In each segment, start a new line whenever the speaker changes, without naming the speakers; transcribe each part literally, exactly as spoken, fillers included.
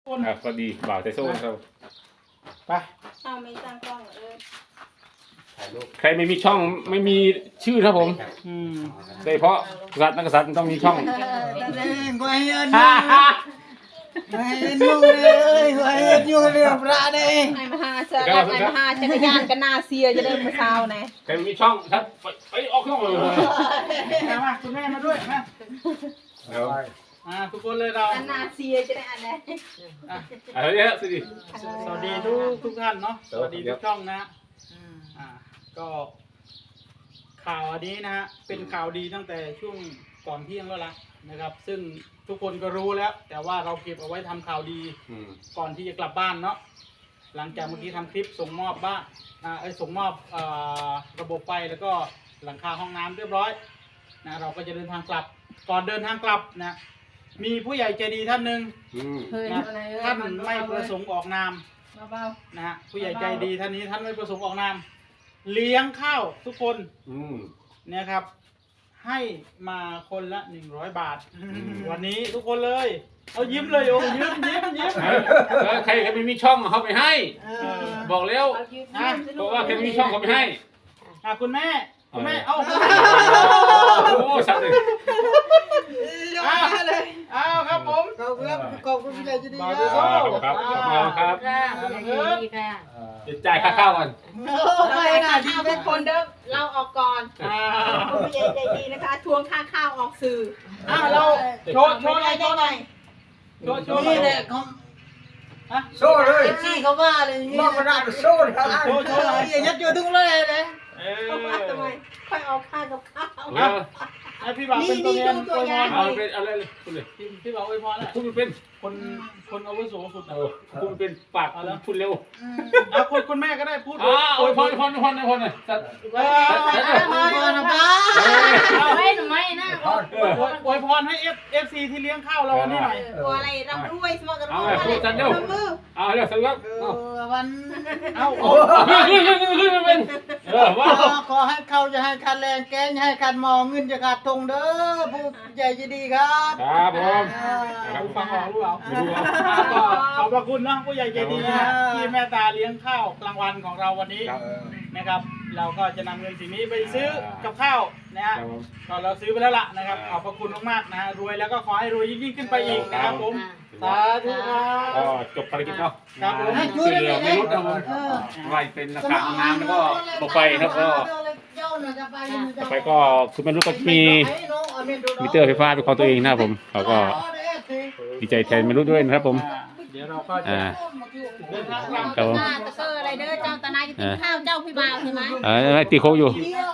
ครับสวัสดีบ่าวไทโซ่ครับไป
เอาไม่ตั้งกล้องเออ
ใครไม่มีช่องไม่มีชื่อครับผม
อืม
โดยเฉพาะกษัตริย์นักกษัตริย์ต้องมีช่อง
เล่นกูให้เงินอยู่กูให้เงินอยู่เลยกูให้เงินอยู่เรื่องพระเด้
ไอ้มหาเสือกับไอ้มหาจักรยานกันนาเซียจะได้มาเช้าไง
ใครไม่มีช่องครับไปไปออกช่องเลย
มามาคุณแม่มาด้วยมา
เดี๋ยว
อ่าทุกคนเลยเรา
กันนาเซียจะได้อันไหน
อ่ะ
อะไรเนี่ยสวัสดี
สวัสดีทุกทุกท่านเนาะสวัสดีทุกช่องนะอ่าก็ข่าวอันนี้นะฮะเป็นข่าวดีตั้งแต่ช่วงก่อนเที่ยงแล้วล่ะนะครับ ซึ่งทุกคนก็รู้แล้ว แต่ว่าเราเก็บเอาไว้ทำข่าวดี
อืม
ก่อนที่จะกลับบ้านเนาะหลังจากเมื่อกี้ทำคลิปส่งมอบบ้านอ่าไอ้ยส่งมอบเอ่อระบบไฟแล้วก็หลังคาห้องน้ำเรียบร้อยนะเราก็จะเดินทางกลับก่อนเดินทางกลับนะมีผู้ใหญ่ใจดีท่านหนึ่ง
อืม
เฮ้ย
นะ
อะไรเออ
ท่านไม่ประสงค์ออกนาม
เบา
นะฮะผู้ใหญ่ใจดีท่านนี้ท่านไม่ประสงค์ออกนามเลี้ยงข้าวทุกคน
อืม
เนี่ยครับ ให้มาคนละหนึ่งร้อยบาท
ม
วันนี้ทุกคนเลยเอายิ้มเลยโอ้ยิ้มยิ้มยิ้ม
แล้วใครใครไม่มีช่องเขาไปให้
เออ
บอกแล้ว
ๆเอายืน
อ่ะ
เพราะว่าใครไม่มีช่องเขาไปให้
อ่ะคุณแม่คุณแม่เอา
โอ้สัตว์เลย
อ้าวอ้าวครับผม
ขอบคุณครับขอบคุณพี่ใหญ่จะดี
บา
ค
ร์
รั
เด
บ
อร์โซ่
ครับครับครับ
ค่ะดีค่ะ
จะจ่ายค่าข้าวกัน
เราไปค่าข้าวทุกคนเด้อเราออกก่อน
อ่า
ผู้ใหญ่ใจดีนะคะทวงค่าข้าวออกสื่อ
อ้าวเราโชว์โชว์หน่อยโชว์หน่อยโชว์โชว์หน่
นี่
อย
แหละเขา
ฮะ
โซ่เลยที่เขาว่าเลยมอบกระดาษโซ่ครับ
โชว์โชว์หน่อย
ยัดอยู่ทุกเลยเลย
เอ
เขาว่าทำไม
อ
ค่อยเอาค่ากับข้าว
แล้ว
ให้พี่บ่าวเป็นตัวแทนอวยพร
เอาเป็นอะไรเลยคุณเลย
พี่พี่บ่าวอวยพรแหละ
พูดเป็น
คนคนอาวุโสสุด
เออพูดเป็นปากพูดเร็ว
อ่ะคุณคุณแม่ก็ได้พูด
อ่าโอ้ยพรพรพรพรหน่อยสัตว์
เออ
มาก่อนนะป้า
ไม่หนูไม่นะ
อวยอวยพรให้เอฟเอฟซีที่เลี้ยงข้าวเราวันนี้หน่อย
ตัวอะไรร่ำรวยสมองกันร
เอา
ว
ไง
ย
พูดสัตว์เร็ว
มือ
เอาเร็วสัตว์เร็ว
เออวัน
เอาโอ้
ขึ้นขึ้นขึ้นขึ้นขึ้นเป็นเออว้าว
ขอให้เขาจะให้คันแรงแกงให้คันมองเงินจะขาดทงเด้อผู้ใหญ่จะดีครับ
ครับผม
เอาฟังออกหรือเปล่า
ไม่รู้
ก็ขอบพระคุณนะผู้ใหญ่ใจดีนะที่แม่ตาเลี้ยงข้าวกลางวันของเราวันนี้
ครับ
นะครับ เราก็จะนำเงินสิ่งนี้ไปซื้อกับข้าวนะฮะ
ครับผม
ก็เราซื้อไปแล้วล่ะนะครับขอบพระคุณมากๆนะฮะรวยแล้วก็ขอให้รวยยิ่งๆขึ้นไปอีกนะครับผมสาธุครั
ก็
บ
จบภารกิจเนาะ
ครับผม
ช่วยเหลือไม่ลดนะผมไล่เป็นราคาห้องน้ำแล้วก็บอกไฟครับก็ต่อไปก็คือไม่รู้ก็มีมิเตอร์ไฟฟ้าเป็นของตัวเองนะครับผมเขาก็ดีใจแทนไม่รู้ด้วยนะครับผม
อ่าเดี๋ยวเราก็จะ
อ่า
เดินทางกลับ
ครับผม
ตาตะเกออะไรเด้อเจ้าตานายจะกินข้าวเจ้าพี่บ่าวใช่ไหม
เออตีโค้งอยู่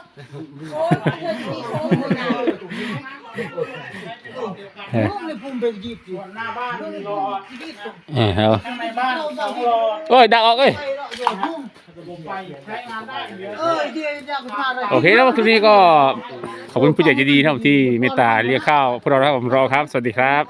มีโค้งมือหนา
เออ
พุ่มเลยพุ่มเป็นยีบอยู่
หน้าบ้านรอ
เออครับ
ข้างในบ้านต้องรอ
โอ้ยดักออกเอ้ย
ระบบไฟใช้งานได้เดี๋ยว
เออเดี๋ยวจะมาเลย
โอเคแล้วคลิปนี้ก็ขอบคุณผู้ใหญ่ใจดีนะครับที่เมตตาเลี้ยงข้าวพวกเราครับผมรอครับ สวัสดีครับ